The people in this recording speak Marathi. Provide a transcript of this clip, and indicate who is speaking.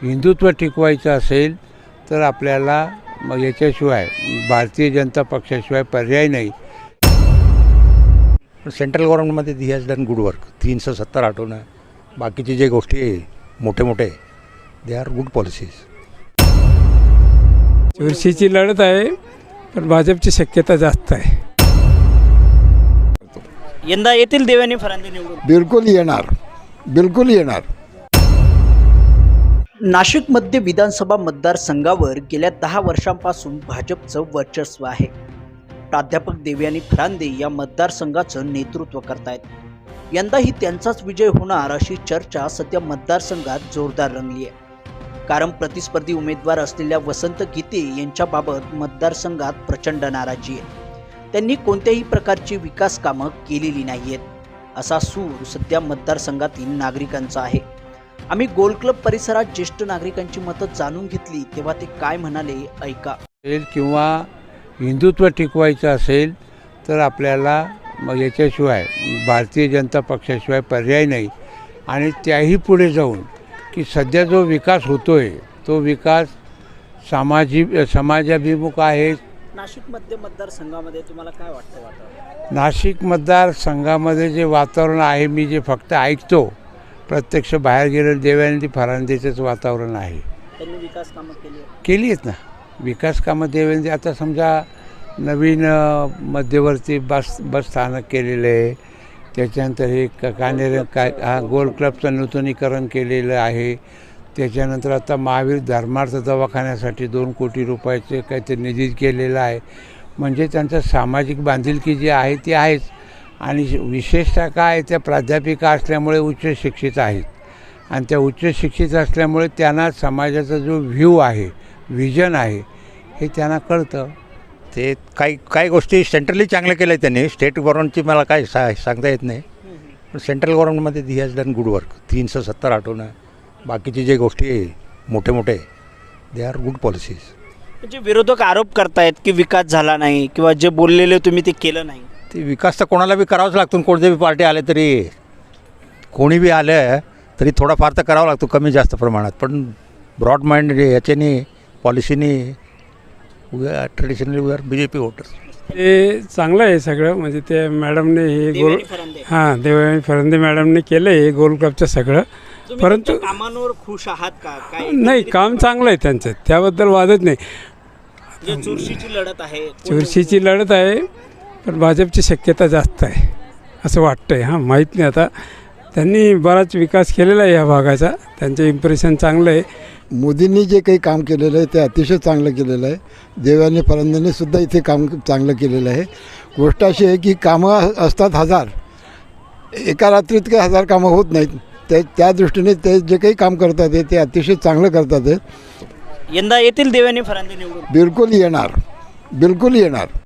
Speaker 1: हिंदुत्व टिकवायचं असेल तर आपल्याला मग याच्याशिवाय भारतीय जनता पक्षाशिवाय पर्याय नाही.
Speaker 2: सेंट्रल गव्हर्नमेंटमध्ये he has done good work. 370 हटवणं, बाकीचे जे गोष्टी आहे मोठे मोठे, दे आर गुड पॉलिसीज.
Speaker 3: चुरशीची लढत आहे, पण भाजपची शक्यता जास्त आहे.
Speaker 4: यंदा येतील देवयानी फरांदे निवडून?
Speaker 5: बिलकुल येणार, बिलकुल येणार.
Speaker 4: नाशिकमध्ये विधानसभा मतदारसंघावर गेल्या 10 वर्षांपासून भाजपचं वर्चस्व आहे. प्राध्यापक देवयानी फरांदे या मतदारसंघाचं नेतृत्व करतायत. यंदाही त्यांचाच विजय होणार अशी चर्चा सध्या मतदारसंघात जोरदार रंगली आहे. कारण प्रतिस्पर्धी उमेदवार असलेल्या वसंत गीते यांच्याबाबत मतदारसंघात प्रचंड नाराजी आहे. त्यांनी कोणत्याही प्रकारची विकास कामं केलेली नाहीयेत असा सूर सध्या मतदारसंघातील नागरिकांचा आहे. आम्ही गोल क्लब परिसरात ज्येष्ठ नागरिकांची मतं जाणून घेतली, तेव्हा ते काय म्हणाले ऐका.
Speaker 1: किंवा हिंदुत्व टिकवायचं असेल तर आपल्याला मग याच्याशिवाय भारतीय जनता पक्षाशिवाय पर्याय नाही. आणि त्याही पुढे जाऊन की सध्या जो विकास होतो आहे तो विकास समाजाभिमुख आहे.
Speaker 4: नाशिकमध्ये मतदारसंघामध्ये तुम्हाला काय वाटतं?
Speaker 1: नाशिक मतदारसंघामध्ये जे वातावरण आहे, मी जे फक्त ऐकतो, प्रत्यक्ष बाहेर गेलेलं देवयानी फरांदेचंच वातावरण आहे.
Speaker 4: त्यांनी विकास कामं
Speaker 1: केली आहेत ना. विकास कामं देवेंद्र, आता समजा नवीन मध्यवर्ती बस स्थानक केलेलं आहे. त्याच्यानंतर हे गोल क्लबचं नूतनीकरण केलेलं आहे. त्याच्यानंतर आता महावीर धर्मार्थ दवाखान्यासाठी 2 कोटी रुपयाचे काहीतरी निधी केलेला आहे. म्हणजे त्यांचं सामाजिक बांधिलकी जी आहे ती आहेच. आणि विशेषतः काय, त्या प्राध्यापिका असल्यामुळे उच्च शिक्षित आहेत. आणि त्या उच्च शिक्षित असल्यामुळे त्यांना समाजाचा जो व्ह्यू आहे, व्हिजन आहे, हे त्यांना कळतं.
Speaker 2: ते काही गोष्टी सेंट्रली चांगल्या केल्या त्यांनी. स्टेट गव्हर्नमेंटची मला काय सांगता येत नाही. पण सेंट्रल गव्हर्नमेंटमध्ये he has done good work. 370 हटवणं, बाकीचे जे गोष्टी आहे मोठे मोठे, दे आर गुड पॉलिसीज.
Speaker 4: म्हणजे विरोधक आरोप करतायत की विकास झाला नाही किंवा जे बोललेले तुम्ही ते केलं नाही.
Speaker 2: ते विकास तर कोणाला बी करावाच लागतो. कोणते बी पार्टी आले तरी, कोणी बी आलं तरी थोडाफार तर करावा लागतो, कमी जास्त प्रमाणात. पण ब्रॉड माइंड याच्यानी पॉलिसीनी traditionally we are BJP voters.
Speaker 3: ते चांगलं आहे सगळं. म्हणजे ते मॅडमने हे गोल देवयानी फरांदे मॅडमने केलं हे गोल क्लबचं सगळं. परंतु
Speaker 4: कामांवर खुश आहात का? काय
Speaker 3: नाही, काम चांगलं आहे त्यांचं, त्याबद्दल वादच नाही.
Speaker 4: चुरशीची लढत आहे,
Speaker 3: चुरशीची लढत आहे, पण भाजपची शक्यता जास्त आहे असं वाटतंय. हां, माहीत नाही. आता त्यांनी बराच विकास केलेला आहे या भागाचा. त्यांचं इम्प्रेशन चांगलं आहे.
Speaker 5: मोदींनी जे काही काम केलेलं आहे ते अतिशय चांगलं केलेलं आहे. देवयानी फरांदेंनी सुद्धा इथे काम चांगलं केलेलं आहे. गोष्ट अशी आहे की कामं असतात 1000, एका रात्रीत काही 1000 कामं होत नाहीत. त्या दृष्टीने ते जे काही काम करतात ते अतिशय चांगलं करतात.
Speaker 4: यंदा येतील देवयानी फरांदे निवडून?
Speaker 5: बिलकुल येणार, बिलकुल येणार.